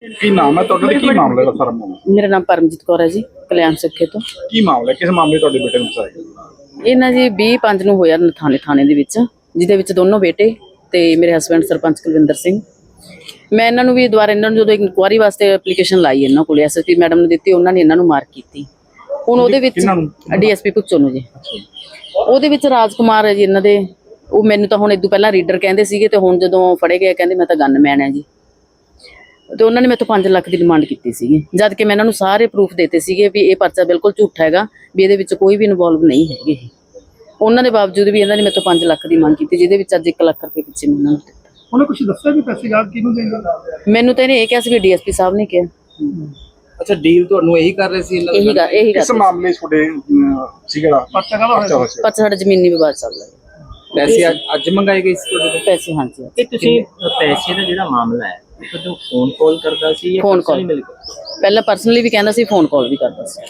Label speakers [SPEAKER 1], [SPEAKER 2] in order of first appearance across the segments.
[SPEAKER 1] ਕੀ ਨਾਮ ਹੈ ਤੁਹਾਡਾ ਤੇ ਕੀ ਮਾਮਲਾ ਦਾ ਸਾਰਾ ਮਾਮਲਾ?
[SPEAKER 2] ਮੇਰਾ ਨਾਮ ਪਰਮਜੀਤ ਕੌਰ ਹੈ ਜੀ, ਕਲਿਆਣ ਸਿੱਖੇ ਤੋਂ।
[SPEAKER 1] ਕੀ ਮਾਮਲਾ ਕਿਸ ਮਾਮਲੇ ਤੁਹਾਡੇ ਬੇਟੇ ਨੂੰ ਫਸਾਇਆ?
[SPEAKER 2] ਇਹ ਨਾ ਜੀ 20/5 ਨੂੰ ਹੋਇਆ ਨਥਾਣੇ ਥਾਣੇ ਦੇ ਵਿੱਚ, ਜਿਹਦੇ ਵਿੱਚ ਦੋਨੋਂ ਬੇਟੇ ਤੇ ਮੇਰੇ ਹਸਬੈਂਡ ਸਰਪੰਚ ਕੁਲਵਿੰਦਰ ਸਿੰਘ। ਮੈਂ ਇਹਨਾਂ ਨੂੰ ਵੀ ਦੁਬਾਰਾ ਇਹਨਾਂ ਨੂੰ ਜਦੋਂ ਇਨਕੁਆਰੀ ਵਾਸਤੇ ਐਪਲੀਕੇਸ਼ਨ ਲਾਈ ਇਹਨਾਂ ਕੋਲ, ਐਸਐਸਪੀ ਮੈਡਮ ਨੇ ਦਿੱਤੀ, ਉਹਨਾਂ ਨੇ ਇਹਨਾਂ ਨੂੰ ਮਾਰਕ ਕੀਤੀ। ਹੁਣ ਉਹਦੇ ਵਿੱਚ ਡੀਐਸਪੀ ਭੁਗਚੋ ਨੂੰ ਜੀ, ਉਹਦੇ ਵਿੱਚ ਰਾਜਕੁਮਾਰ ਹੈ ਜੀ ਇਹਨਾਂ ਦੇ। ਉਹ ਮੈਨੂੰ ਤਾਂ ਹੁਣ ਇਦੋਂ ਪਹਿਲਾਂ ਰੀਡਰ ਕਹਿੰਦੇ ਸੀਗੇ, ਤੇ ਹੁਣ ਜਦੋਂ ਫੜੇ ਗਏ ਕਹਿੰਦੇ ਮੈਂ ਤਾਂ ਗਨਮੈਨ ਹੈ ਜੀ। ਤੇ ਉਹਨਾਂ ਨੇ ਮੈਥੋਂ 5 ਲੱਖ ਦੀ ਡਿਮਾਂਡ ਕੀਤੀ ਸੀਗੀ, ਜਦ ਕਿ ਮੈਂ ਇਹਨਾਂ ਨੂੰ ਸਾਰੇ ਪ੍ਰੂਫ ਦਿੱਤੇ ਸੀਗੇ ਵੀ ਇਹ ਪਰਚਾ ਬਿਲਕੁਲ ਝੂਠਾ ਹੈਗਾ, ਵੀ ਇਹਦੇ ਵਿੱਚ ਕੋਈ ਵੀ ਇਨਵੋਲਵ ਨਹੀਂ ਹੈਗੇ। ਉਹਨਾਂ ਦੇ ਬਾਵਜੂਦ ਵੀ ਇਹਨਾਂ ਨੇ ਮੈਥੋਂ 5 ਲੱਖ ਦੀ ਮੰਗ ਕੀਤੀ, ਜਿਹਦੇ ਵਿੱਚ ਅੱਜ 1 ਲੱਖ ਰੁਪਏ ਪਿੱਛੇ ਮੈਂ ਇਹਨਾਂ ਨੂੰ ਦਿੱਤਾ।
[SPEAKER 1] ਉਹਨੇ ਕੁਝ ਦੱਸਿਆ ਵੀ ਪੈਸੇ ਯਾਦ ਕਿਹਨੂੰ ਦੇਣਗੇ?
[SPEAKER 2] ਮੈਨੂੰ ਤਾਂ ਇਹਨੇ ਇਹ ਕਿਹਾ ਸੀ ਵੀ ਡੀਐਸਪੀ ਸਾਹਿਬ ਨੇ ਕਿਹਾ।
[SPEAKER 3] ਅੱਛਾ, ਡੀਲ ਤੁਹਾਨੂੰ ਇਹੀ ਕਰ ਰਹੇ ਸੀ?
[SPEAKER 2] ਇਹੀ ਗੱਲ
[SPEAKER 1] ਇਸ ਮਾਮਲੇ ਤੁਹਾਡੇ ਸੀਗਾ ਪਰਚਾ ਕਾਹਦਾ ਹੋਇਆ?
[SPEAKER 2] ਪਰਚਾ ਸਾਡਾ ਜ਼ਮੀਨੀ ਵਿਵਾਦ ਚੱਲਦਾ ਹੈ।
[SPEAKER 3] ਪੈਸੇ ਅੱਜ ਮੰਗਾਏ ਗਏ ਸੀ ਤੁਹਾਡੇ ਤੋਂ?
[SPEAKER 2] ਪੈਸੇ ਹਾਂਜੀ।
[SPEAKER 4] ਇਹ ਤੁਸੀਂ ਪੈਸੇ ਦਾ ਜਿਹੜਾ ਮਾਮਲਾ ਹੈ, ਤੁਹਾਨੂੰ ਫੋਨ ਕਾਲ ਕਰਦਾ ਸੀ ਜਾਂ
[SPEAKER 2] ਫੋਨ ਕਾਲ
[SPEAKER 4] ਪਰਸਨਲੀ ਮਿਲ ਕੇ?
[SPEAKER 2] ਪਹਿਲਾਂ ਪਰਸਨਲੀ ਵੀ ਕਹਿੰਦਾ ਸੀ, ਫੋਨ ਕਾਲ ਵੀ ਕਰਦਾ ਸੀ।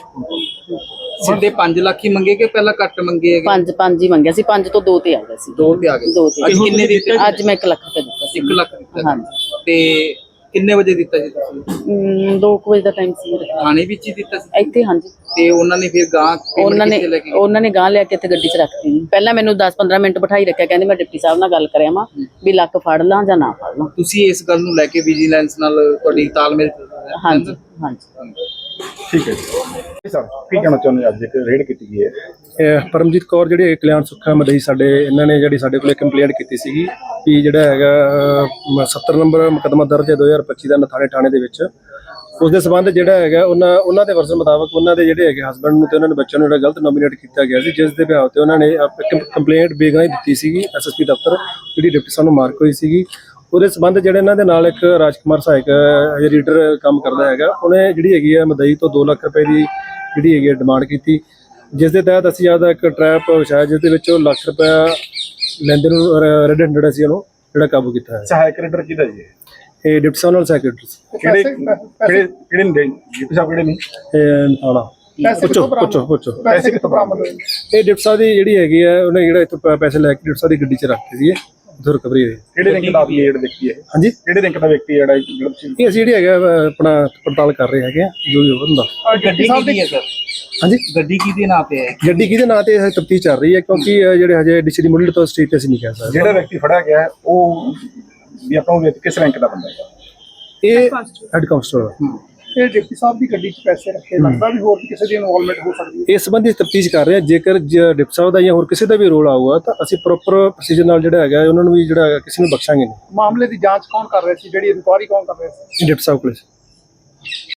[SPEAKER 3] ਸਿੱਧੇ 5 ਲੱਖ ਹੀ ਮੰਗੇ ਕਿ ਪਹਿਲਾਂ ਘੱਟ ਮੰਗੇ ਹੈਗੇ?
[SPEAKER 2] 5 ਹੀ ਮੰਗਿਆ ਸੀ, 5 ਤੋਂ 2 ਤੇ ਆ ਗਿਆ ਸੀ।
[SPEAKER 3] 2 ਤੇ ਆ ਗਏ।
[SPEAKER 2] 2 ਤੇ
[SPEAKER 3] ਅੱਜ ਕਿੰਨੇ ਦਿੱਤੇ?
[SPEAKER 2] ਅੱਜ ਮੈਂ 1 ਲੱਖ ਰੁਪਏ ਦਿੱਤਾ ਸੀ।
[SPEAKER 3] 1 ਲੱਖ ਦਿੱਤਾ?
[SPEAKER 2] ਹਾਂਜੀ।
[SPEAKER 3] ਤੇ ਕਿੰਨੇ ਵਜੇ ਦਿੱਤਾ ਸੀ ਤੁਸੀਂ?
[SPEAKER 2] 2 ਵਜੇ ਦਾ ਟਾਈਮ ਸੀ।
[SPEAKER 3] ਥਾਣੇ ਵਿੱਚ ਹੀ ਦਿੱਤਾ ਸੀ?
[SPEAKER 2] ਇੱਥੇ ਹਾਂਜੀ।
[SPEAKER 3] ਤੇ ਉਹਨਾਂ ਨੇ ਫਿਰ ਗਾਂ
[SPEAKER 2] ਉਹਨਾਂ ਨੇ ਗਾਂ ਲਿਆ ਕੇ ਇੱਥੇ ਗੱਡੀ 'ਚ ਰੱਖਤੀ। ਪਹਿਲਾਂ ਮੈਨੂੰ 10-15 ਮਿੰਟ ਬਿਠਾਈ ਰੱਖਿਆ, ਕਹਿੰਦੇ ਮੈਂ ਡਿਪਟੀ ਸਾਹਿਬ ਨਾਲ ਗੱਲ ਕਰਿਆ ਵਾਂ ਵੀ ਲੱਖ ਫੜ ਲਾਂ ਜਾਂ ਨਾ ਫੜ ਲਾਂ।
[SPEAKER 3] ਤੁਸੀਂ ਇਸ ਗੱਲ ਨੂੰ ਲੈ ਕੇ ਵਿਜੀਲੈਂਸ ਨਾਲ ਤੁਹਾਡੀ ਤਾਲਮੇਲ?
[SPEAKER 2] ਹਾਂਜੀ ਹਾਂਜੀ।
[SPEAKER 1] ਠੀਕ ਹੈ ਜੀ ਸਰ, ਕੀ ਕਹਿਣਾ ਚਾਹੁੰਦੇ ਅੱਜ ਇੱਕ ਰੇਡ ਕੀਤੀ ਗਈ ਹੈ?
[SPEAKER 5] ਪਰਮਜੀਤ ਕੌਰ ਜਿਹੜੇ ਕਲਿਆਣ ਸੁੱਖਾ ਮਦਈ ਸਾਡੇ, ਇਹਨਾਂ ਨੇ ਜਿਹੜੀ ਸਾਡੇ ਕੋਲੇ ਕੰਪਲੇਂਟ ਕੀਤੀ ਸੀਗੀ ਕਿ ਜਿਹੜਾ ਹੈਗਾ 70 ਨੰਬਰ ਮੁਕੱਦਮਾ ਦਰਜ ਹੈ 2025 ਦਾ ਨਥਾਣੇ ਥਾਣੇ ਦੇ ਵਿੱਚ। ਉਸ ਦੇ ਸੰਬੰਧ ਜਿਹੜਾ ਹੈਗਾ ਉਹਨਾਂ ਦੇ ਵਰਜ਼ਨ ਮੁਤਾਬਕ ਉਹਨਾਂ ਦੇ ਜਿਹੜੇ ਹੈਗੇ ਹਸਬੈਂਡ ਨੂੰ ਤੇ ਉਹਨਾਂ ਦੇ ਬੱਚਿਆਂ ਨੂੰ ਜਿਹੜਾ ਗਲਤ ਨੋਮੀਨੇਟ ਕੀਤਾ ਗਿਆ ਸੀ, ਜਿਸ ਦੇ ਬਿਹਾਵ ਤੇ ਉਹਨਾਂ ਨੇ ਕੰਪਲੇਂਟ ਬੇਗੁਨਾਹੀ ਦਿੱਤੀ ਸੀਗੀ ਐਸਐਸਪੀ ਦਫ਼ਤਰ, ਜਿਹੜੀ ਡਿਪਟੀ ਸਾਹਿਬ ਨੂੰ ਮਾਰਕ ਹੋਈ ਸੀਗੀ। ਉਹਦੇ ਸੰਬੰਧ ਜਿਹੜੇ ਇਹਨਾਂ ਦੇ ਨਾਲ ਇੱਕ ਰਾਜਕੁਮਾਰ ਸਹਾਇਕ ਰੀਡਰ ਕੰਮ ਕਰਦਾ ਹੈਗਾ, ਉਹਨੇ ਜਿਹੜੀ ਹੈਗੀ ਹੈ ਮਦਈ ਤੋਂ 2 ਲੱਖ ਰੁਪਏ ਦੀ ਜਿਹੜੀ ਹੈਗੀ ਡਿਮਾਂਡ ਕੀਤੀ, ਜਿਸ ਦੇ ਤਹਿਤ ਅਸੀਂ ਆਪਦਾ ਇੱਕ ਟਰੈਪ ਵਿਛਾਇਆ, ਜਿਸ ਦੇ ਵਿੱਚ ਉਹ ਲੱਖ ਰੁਪਇਆ ਲੈਂਦੇ ਨੂੰ ਰੈਡ ਹੈਂਡਡ ਅਸੀਂ ਉਹਨੂੰ ਜਿਹੜਾ ਕਾਬੂ ਕੀਤਾ ਹੈ।
[SPEAKER 1] ਸਹਾਇਕ ਰੀਡਰ ਕਿਹਦਾ ਜੀ?
[SPEAKER 5] ਇਹ ਡਿਪਟੀ ਸਾਹਿਬ ਨਾਲ ਸੈਕਟਰੀ
[SPEAKER 1] ਕਿਹੜੇ ਨੇ ਡਿਪਟੀ ਸਾਹਿਬ ਕਿਹੜੇ ਨੇ?
[SPEAKER 5] ਪੁੱਛੋ
[SPEAKER 1] ਪੈਸੇ ਕਿੱਥੋਂ ਬਰਾਮਦ ਹੋਏ?
[SPEAKER 5] ਇਹ ਡਿਪਟੀ ਸਾਹਿਬ ਦੀ ਜਿਹੜੀ ਹੈਗੀ ਹੈ, ਉਹਨੇ ਜਿਹੜਾ ਇੱਥੋਂ ਪੈਸੇ ਲੈ ਕੇ ਡਿਪਟੀ ਸਾਹਿਬ ਦੀ ਗੱਡੀ 'ਚ ਰੱਖਦੇ ਸੀ, ਉੱਥੋਂ ਰਿਕਵਰੀ ਹੋਈ।
[SPEAKER 1] ਕਿਹੜੇ ਰੈਂਕ ਦਾ ਵਿਅਕਤੀ ਹੈ?
[SPEAKER 5] ਹਾਂਜੀ,
[SPEAKER 1] ਕਿਹੜੇ ਰੈਂਕ ਦਾ ਵਿਅਕਤੀ ਜਿਹੜਾ
[SPEAKER 5] ਇਹ ਅਸੀਂ ਜਿਹੜੀ ਹੈਗਾ ਆਪਣਾ ਪੜਤਾਲ ਕਰ ਰਹੇ ਹੈਗੇ ਆ, ਜੋ ਵੀ ਹੁੰਦਾ।
[SPEAKER 3] ਗੱਡੀ ਕਿਹਦੀ ਹੈ ਸਰ?
[SPEAKER 5] ਹਾਂਜੀ,
[SPEAKER 3] ਗੱਡੀ ਕਿਹਦੇ ਨਾਂ ਤੇ ਹੈ?
[SPEAKER 5] ਗੱਡੀ ਕਿਹਦੇ ਨਾਂ ਤੇ ਤਫਤੀਸ਼ ਚੱਲ ਰਹੀ ਹੈ, ਕਿਉਂਕਿ ਜਿਹੜੇ ਹਜੇ ਡਿਸਟ੍ਰਿਕਟ ਮੁੱਢਲੇ ਤੋਂ ਸਟੇਜ ਤੇ ਅਸੀਂ ਨਹੀਂ ਕਹਿ ਸਕਦੇ।
[SPEAKER 1] ਜਿਹੜਾ ਵਿਅਕਤੀ ਫੜਿਆ ਗਿਆ ਉਹ ਵੀ ਆਪਾਂ ਕਿਸ ਰੈਂਕ ਦਾ ਬੰਦਾ ਹੈ?
[SPEAKER 5] ਇਹ ਹੈਡ ਕਾਂਸਟੇਬਲ।
[SPEAKER 1] ਇਹ ਡਿਪਟੀ ਸਾਹਿਬ ਦੀ ਗੱਡੀ 'ਚ ਪੈਸੇ ਰੱਖੇ, ਲੱਗਦਾ ਵੀ ਹੋਰ ਕਿਸੇ ਦੀ ਇਨਵੋਲਵਮੈਂਟ ਹੋ ਸਕਦੀ ਹੈ।
[SPEAKER 5] ਇਸ ਸੰਬੰਧੀ ਤਫਤੀਸ਼ ਕਰ ਰਹੇ ਹਾਂ। ਜੇਕਰ ਡਿਪਟੀ ਸਾਹਿਬ ਦਾ ਜਾਂ ਹੋਰ ਕਿਸੇ ਦਾ ਵੀ ਰੋਲ ਆਊਗਾ ਤਾਂ ਅਸੀਂ ਪ੍ਰੋਪਰ ਪ੍ਰੋਸੀਜਰ ਨਾਲ ਜਿਹੜਾ ਹੈਗਾ ਉਹਨਾਂ ਨੂੰ ਵੀ ਜਿਹੜਾ ਕਿਸੇ ਨੂੰ ਬਖਸ਼ਾਂਗੇ ਨਹੀਂ।
[SPEAKER 1] ਮਾਮਲੇ ਦੀ ਜਾਂਚ ਕੌਣ ਕਰ ਰਿਹਾ ਸੀ? ਜਿਹੜੀ ਇਨਕੁਆਰੀ ਕੌਣ ਕਰ ਰਿਹਾ ਸੀ?
[SPEAKER 5] ਡਿਪਟੀ ਸਾਹਿਬ ਕੋਲ।